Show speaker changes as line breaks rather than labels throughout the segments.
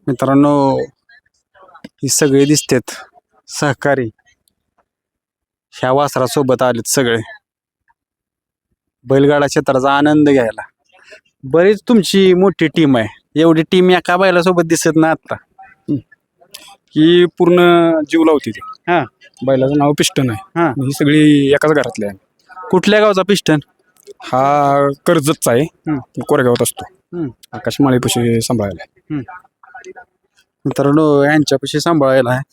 मित्रांनो, ही सगळे दिसतात सहकारी ह्या वासरासोबत आलेत सगळे बैलगाडा क्षेत्राचा आनंद घ्यायला. बरीच तुमची मोठी टीम आहे. एवढी टीम एका बैलासोबत दिसत ना आता.
ही पूर्ण जीव लावते ती.
हा,
बैलाचं नाव पिस्टन आहे.
हा.
ही सगळी एकाच घरातली आहे.
कुठल्या गावचा पिस्टन?
हा कर्जतचा आहे. कोरेगावात असतो.
हम्म.
आकाश माळीपाशी सांभाळायला.
मित्रांनो, यांच्यापाशी सांभाळायला आहे.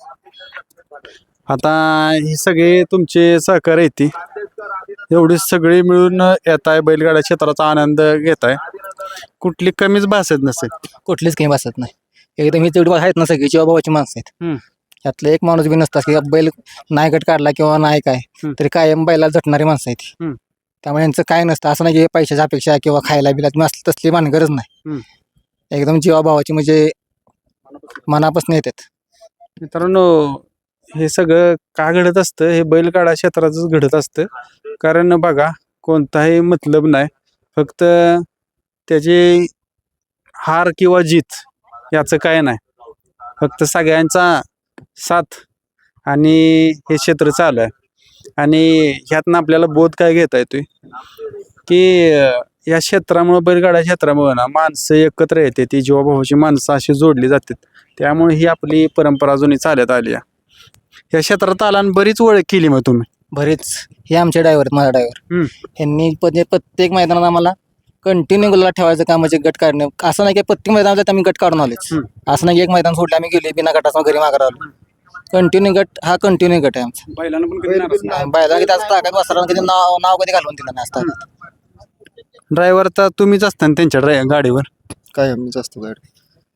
आता हे सगळे तुमचे सहकारी आहेत ती. एवढी सगळी मिळून येत आहे, बैलगाडा क्षेत्राचा आनंद घेत आहे. कुठली कमीच भासत नसेल.
कुठलीच काही बसत नाही. एकदम ही तेवढी आहेत ना सगळी जीवाभावाची माणसं आहेत. यातलं एक माणूस बी नसतात की बैल नाही गट काढला किंवा नाही काय तरी कायम बैलाला झटणारी माणसं आहेत. त्यामुळे यांचं काय नसतं. असं नाही की पैशाची अपेक्षा किंवा खायला बिला असली तसली भानगरज नाही. एकदम जीवाभावाची म्हणजे मनापासून येतात.
मित्रांनो, हे सगळं का घडत असतं? हे बैलगाडा क्षेत्रातच घडत असतं. कारण बघा, कोणताही मतलब नाही, फक्त त्याची हार किंवा जीत याचं काय नाही. फक्त सगळ्यांचा साथ आणि हे क्षेत्र चालू आहे. आणि ह्यातनं आपल्याला बोध काय घेता येतोय की या क्षेत्रामुळे, बैलगाडा क्षेत्रामुळे ना माणसं एकत्र येते. ती जीवाभावाची माणसं अशी जोडली जातात. त्यामुळे ही आपली परंपरा जुनी चालत आली आहे. या क्षेत्रात आला आणि बरीच ओळख केली मग तुम्ही.
बरेच हे आमचे ड्रायव्हर आहेत, माझा ड्रायव्हर. यांनी प्रत्येक मैदानात आम्हाला कंटिन्यू गुलाला ठेवायचं काम म्हणजे गट काढणे. असं नाही की प्रत्येक मैदानात आम्ही गट काढून आलेच. असं नाही की एक मैदान सोडलं आम्ही गेले बिना गटाचा घरी मागे आलो. कंटिन्यू गट हा कंटिन्यू गट आहे आमचा.
बैलांना पण कधी नाराज नाही.
बैलाला किती असं ताकद वासराला कधी नाव कधी घालवून दिलं नाही असतात.
ड्रायव्हर तर तुम्हीच असता ना त्यांच्या गाडीवर.
काय आम्ही जास्त गाडी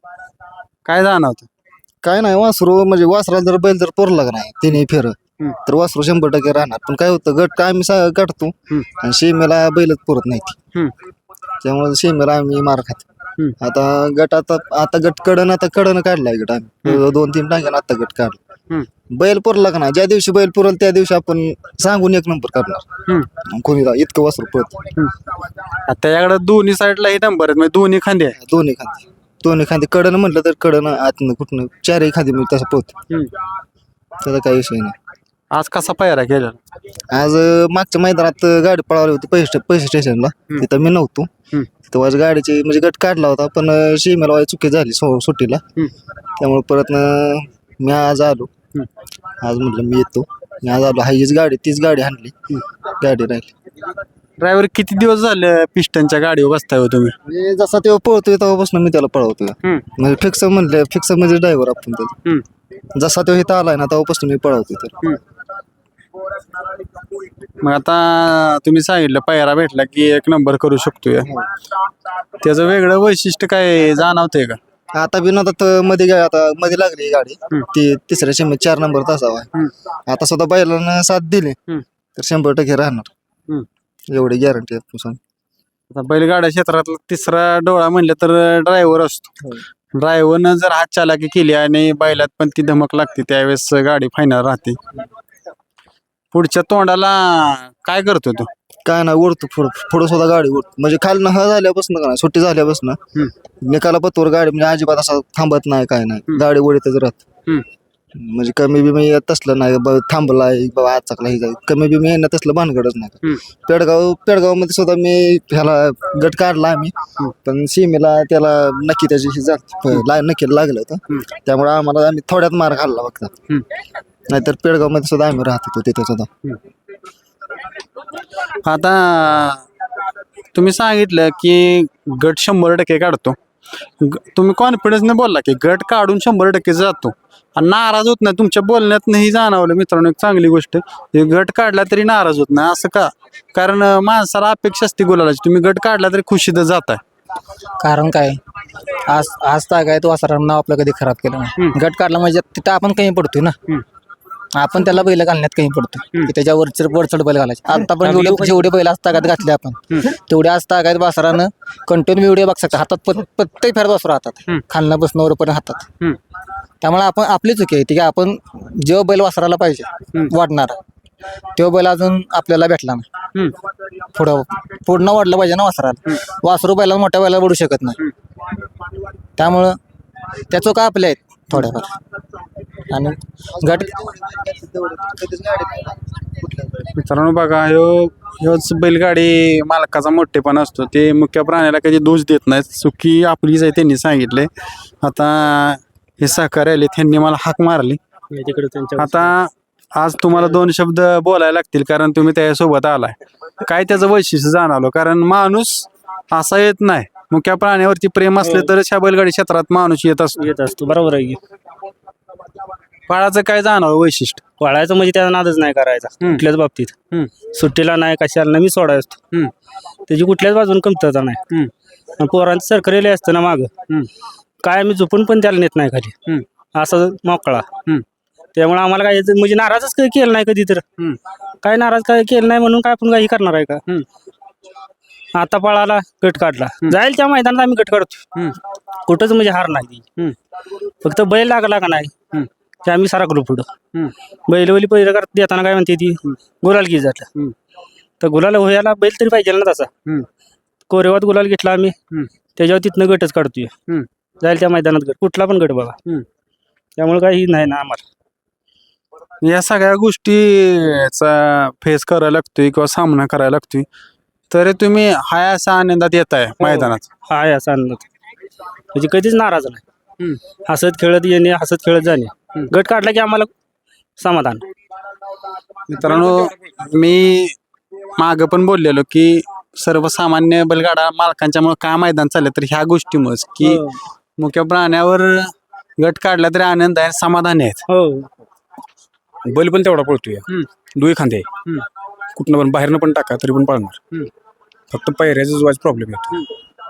काय जाणवतं?
काय नाही. वासरू म्हणजे वासराला जर बैल जर पोरला का नाही तिने फेर तर वासरू 100% राहणार. पण काय होतं, गट काय आम्ही काढतो आणि शेमेला बैलच पुरत नाही ती. त्यामुळे शेमेला आम्ही मार खातो. आता गट आता गट कडनं काढलाय गट आम्ही 2-3 टांग्यानं आता गट काढला. बैल पुरला का नाही, ज्या दिवशी बैल पुरल त्या दिवशी आपण सांगून 1 नंबर काढणार. कोणी इतकं वासरू पळत.
त्याच्याकडे दोन्ही साईडला हे नंबर आहेत, म्हणजे दोन्ही खांदे आहे.
दोन्ही खांदे कडनं म्हटलं तर कडनं आतनं कुठनं 4ही खांदे मी तसं पळतो. त्याचा काही विषय नाही.
आज कसा पायरा केला?
आज मागच्या मैदानात गाडी पळवली होती पैसे स्टेशनला. तिथं मी नव्हतो. तिथं आज गाडीची म्हणजे गट काढला होता, पण शेमेला चुकी झाली सुट्टीला. त्यामुळे परत मी आज आलो. आज म्हटलं मी येतो. मी आज आलो. हायच गाडी, तीच गाडी आणली. गाडी राहिली.
ड्रायव्हर किती दिवस झाले पिस्टनच्या गाडीवर बसताय हो तुम्ही?
म्हणजे जसा तेव्हा पळतोय तेव्हापासून मी त्याला पळवतोय. म्हणजे फिक्स म्हणजे ड्रायव्हर आपण त्याचा. जसा तो इथं आलाय ना तेव्हापासून मी पळवतोय तर.
मग आता तुम्ही सांगितलं पायरा भेटला की 1 नंबर करू शकतोय. त्याचं वेगळं वैशिष्ट्य काय जाणवतंय का?
आता बिनोदात मध्ये लागली ही गाडी. ती तिसऱ्या शेमीत 4 नंबर तासावा. आता सुद्धा बैलांना साथ दिली तर 100% राहणार. एवढी गॅरंटी आहे.
आता बैलगाडा क्षेत्रातला तिसरा डोळा म्हणलं तर ड्रायव्हर असतो. ड्रायव्हरनं जर हात चालाकी केली आणि बैलात पण ती धमक लागते, त्यावेळेस गाडी फायनल राहते. पुढच्या तोंडाला काय करतो तो?
काय नाही, ओढतो पुढं सुद्धा गाडी ओढतो. म्हणजे खालनं झाल्यापासून का नाही, सुट्टी झाल्यापासून निकाला पत्तोर गाडी म्हणजे अजिबात असं थांबत नाही, काय नाही, गाडी ओढतच राहत. म्हणजे कमी बी मी तसलं नाही थांबलाय बाबा आज चाकला ही कमी बी मी तसलं भानगडच नाही. पेडगाव मध्ये सुद्धा मी ह्याला गट काढला आम्ही, पण सीमेला त्याला नक्की त्याची नक्की लागलं होतं. त्यामुळे आम्ही थोड्यात मार खाल्ला फक्त. नाहीतर पेडगाव मध्ये सुद्धा आम्ही राहत होतो तिथे सुद्धा.
आता तुम्ही सांगितलं की गट 100% काढतो. तुम्ही कॉन्फिडन्सने बोलला की गट काढून 100% जातो आणि नाराज होत नाही. तुमच्या बोलण्यात नाही जाणवलं मित्रांनो, एक चांगली गोष्ट. गट काढला तरी नाराज होत नाही, असं का? कारण माणसाला अपेक्षा असते गुलालाची. तुम्ही गट काढला तरी खुशीतच जाताय.
कारण काय, आज काय तो वासरानं नाव आपलं कधी खराब केलं नाही. गट काढला म्हणजे तिथं आपण कमी पडतोय ना. आपण त्याला बैल घालण्यात कमी पडतो की त्याच्या वरचढ बैल घालायचे. आता पण जेवढे बैल आज तागात घातले आपण तेवढे आज तागात वासरानं कंटिन्यू व्हिडिओ बघ शकता. हातात प्रत्येक फेर वासरू हातात, खालना बसणं वरपर्यंत हातात. त्यामुळे आपण आपली चुकी आहे की आपण जेव्हा बैल वासराला पाहिजे वाढणार तेव्हा बैल अजून आपल्याला भेटला नाही. पुढं वाढलं पाहिजे ना वासराला. वासरू बैला मोठ्या बैला वाढू शकत नाही. त्यामुळं त्या चुका आपल्या आहेत थोड्याफार. आणि गट
मित्रांनो बघा ह्योच बैलगाडी मालकाचा मोठेपणा असतो. ते मुख्य प्राण्याला कधी दोष देत नाहीत. चुकी आपलीच आहे त्यांनी सांगितले. आता हे सहकार्य आले त्यांनी मला हाक मारली. आता आज तुम्हाला 2 शब्द बोलायला लागतील कारण तुम्ही त्याच्यासोबत आलाय. काय त्याचं वैशिष्ट्य जाणवलं? कारण माणूस असा येत नाही. मुख्य प्राण्यावरती प्रेम असले तरच ह्या बैलगाडी क्षेत्रात माणूस येत असतो.
बरोबर आहे की.
बाळाचं काय जाणवलं वैशिष्ट्य?
पळायचं म्हणजे त्याचा नादच नाही करायचा कुठल्याच बाबतीत. सुट्टीला नाही कशाला नाही मी सोडायचो. त्याची कुठल्याच बाजून कमतरता नाही. आणि पोरांचं सरकरेले असतं ना मागं काय आम्ही झोपून पण त्याला नेत नाही खाली असं मोकळा. त्यामुळे आम्हाला काय म्हणजे नाराजच काही केलं नाही कधी तर. काय नाराज काय केलं नाही म्हणून काय आपण काही करणार आहे का? आता पळाला गट काढला जाईल त्या मैदानात आम्ही गट काढतो. कुठंच म्हणजे हार नाही. फक्त बैल लागला का नाही ते आम्ही सारखलो पुढं. बैलवली पहिलं करत देताना काय म्हणते ती गुलाल घे जातला तर गुलाल व्हायला बैल तरी पाहिजे ना तसा. कोरेवात गुलाल घेतला आम्ही त्याच्यावर तिथनं गटच काढतोय. जाईल त्या मैदानात गट कुठला पण गट बघा. त्यामुळे काही नाही ना आम्हाला.
या सगळ्या गोष्टीचा फेस करायला लागतोय किंवा सामना करायला लागतोय तरी तुम्ही हाय असा आनंदात येत आहे मैदानात.
हा आहे असा आनंद म्हणजे कधीच नाराज नाही. हसत खेळत येणे हसत खेळत जाणे. गट काढला की आम्हाला समाधान.
मित्रांनो मी मागं पण बोललेलो की सर्वसामान्य बैलगाडा मालकांच्यामुळे काय मैदान चाललं तर ह्या गोष्टीमुळेच की मुख्य प्राण्यावर गट काढला तरी आनंद आहे समाधान आहेत.
हो
बैल पण तेवढा पळतोय. दुई खांदे कुठनं पण बाहेरनं पण टाका तरी पण पळणार. फक्त पायऱ्याचा जुवाच प्रॉब्लेम येतो.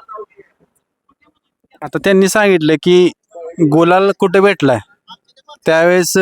आता त्यांनी सांगितलं की गोलाल कुठे भेटलाय त्यावेळेस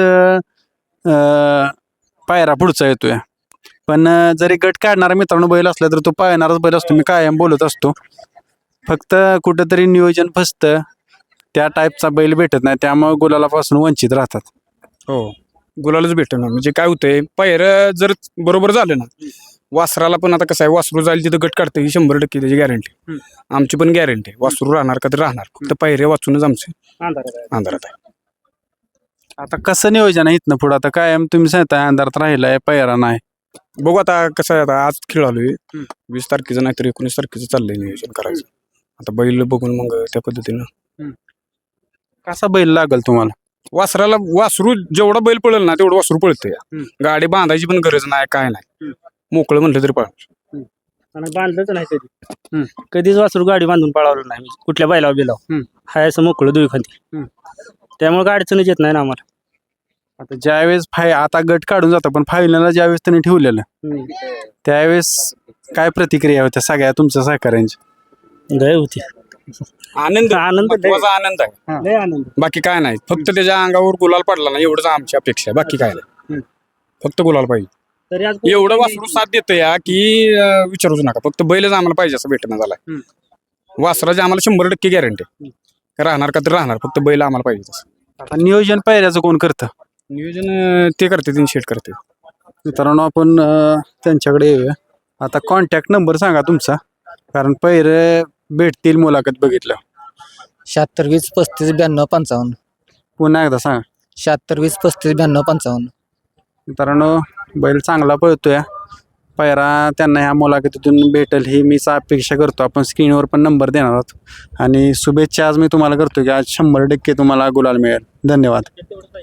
पायरा पुढचा येतोय. पण जरी गट काढणारा मित्रांनो बैल असला तर तो पाळणाराच बैल असतो. मी कायम बोलत असतो. फक्त कुठंतरी नियोजन फसतं त्या टाईपचा बैल भेटत नाही त्यामुळे गुलालापासून वंचित राहतात.
हो गुलालच भेटणार. म्हणजे काय होतंय पायऱ्या जर बरोबर झालं ना वासराला पण आता कसं आहे वासरू जाईल तिथं गट काढतं ही 100% त्याची गॅरंटी. आमची पण गॅरंटी वासरू राहणार का तर राहणार. फक्त पायऱ्या वाचूनच आमचे अंधारात आहे.
आता कसं नियोजन आहे इथनं पुढं? आता कायम तुम्ही सांगताय अंधारात राहिलाय पायरा नाही.
बघू आता कसं आहे. आता आज खेळ आलोय 20 तारखेचं नाहीतर 19 तारखेचं चाललंय नियोजन करायचं. आता बैल बघून मग त्या पद्धतीनं
कसा बैल लागल तुम्हाला?
वासराला वासरू जेवढा बैल पळेल ना तेवढं वासरू पळतंय. गाडी बांधायची पण गरज नाही काय नाही. मोकळं म्हटलं तरी पळणार.
आणि बांधलंच नाही कधी. कधीच वासरू गाडी बांधून पळावलं नाही कुठल्या बैलावर बिलाव. हाय असं मोकळं दुई खांदी. त्यामुळे गाडी अडचणच येत नाही ना आम्हाला.
आता ज्यावेळेस आता गट काढून जातो पण फायनलला ज्यावेळेस त्यांनी ठेवलेलं त्यावेळेस काय प्रतिक्रिया होत्या सगळ्या तुमच्या सहकार्यांची?
गय होती.
आनंद
आनंद
महत्त्वाचा आनंद आहे.
लय आनंद.
बाकी काय नाही. फक्त त्याच्या अंगावर गुलाल पडला ना एवढंच आमची अपेक्षा आहे. बाकी काय नाही. फक्त गुलाल पाहिजे.
तरी आज
एवढं वासरू साथ देतं या की विचारूच नका. फक्त बैलच आम्हाला पाहिजे असं भेटणं झालाय. वासराची आम्हाला 100% गॅरंटी राहणार का तर राहणार. फक्त बैल आम्हाला पाहिजे तसं.
आता नियोजन पायऱ्याचं कोण करतं?
नियोजन ते करते 3 शेट करते.
मित्रांनो आपण त्यांच्याकडे येऊया. आता कॉन्टॅक्ट नंबर सांगा तुमचा कारण पैरे भेटतील मुलाखत बघितलं.
76 20 35 92 55.
पुन्हा एकदा सांगा.
76 20 35 92 55.
मित्रांनो बैल चांगला पळतोय. पायरा त्यांना ह्या मुलाखतीतून भेटेल ही मीच अपेक्षा करतो. आपण स्क्रीनवर पण नंबर देणार आहोत आणि शुभेच्छा आज मी तुम्हाला करतो की आज 100% तुम्हाला गुलाल मिळेल. धन्यवाद.